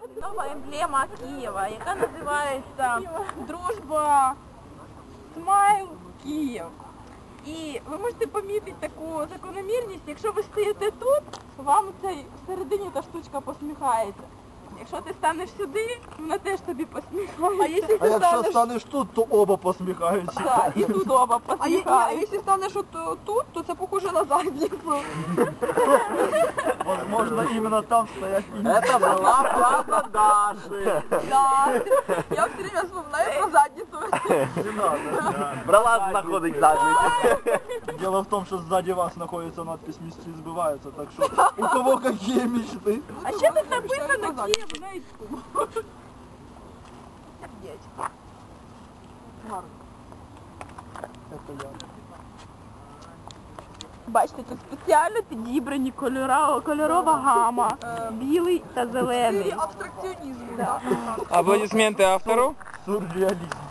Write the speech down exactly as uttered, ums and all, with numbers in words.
Нова емблема Києва, яка називається «Дружба Смайл Київ». І ви можете помітити таку закономірність, якщо ви стоїте тут, вам цей всередині та штучка посміхається. Якщо ти станеш сюди, вона теж тобі посміхається. А якщо, А якщо станеш... станеш тут, то оба посміхаються. Так, і тут оба А, є- а посміхаються. якщо станеш от е, тут, то це похоже на задницю. Возможно, именно там стоять и... Это была правда Даши. Да. Я все время вспоминаю про задницю. Не надо. Брала знаходить задницю. Дело в том, что сзади вас находится надпись «Мечты сбываются», так что у кого какие мечты? А ще тут написано Київ Найтку. Это я. Бачите, тут спеціально підібрані кольора, кольорова гама. Білий та зелений. Абстракціонізм. Да. Аплодисменты автору. Сюрреализм.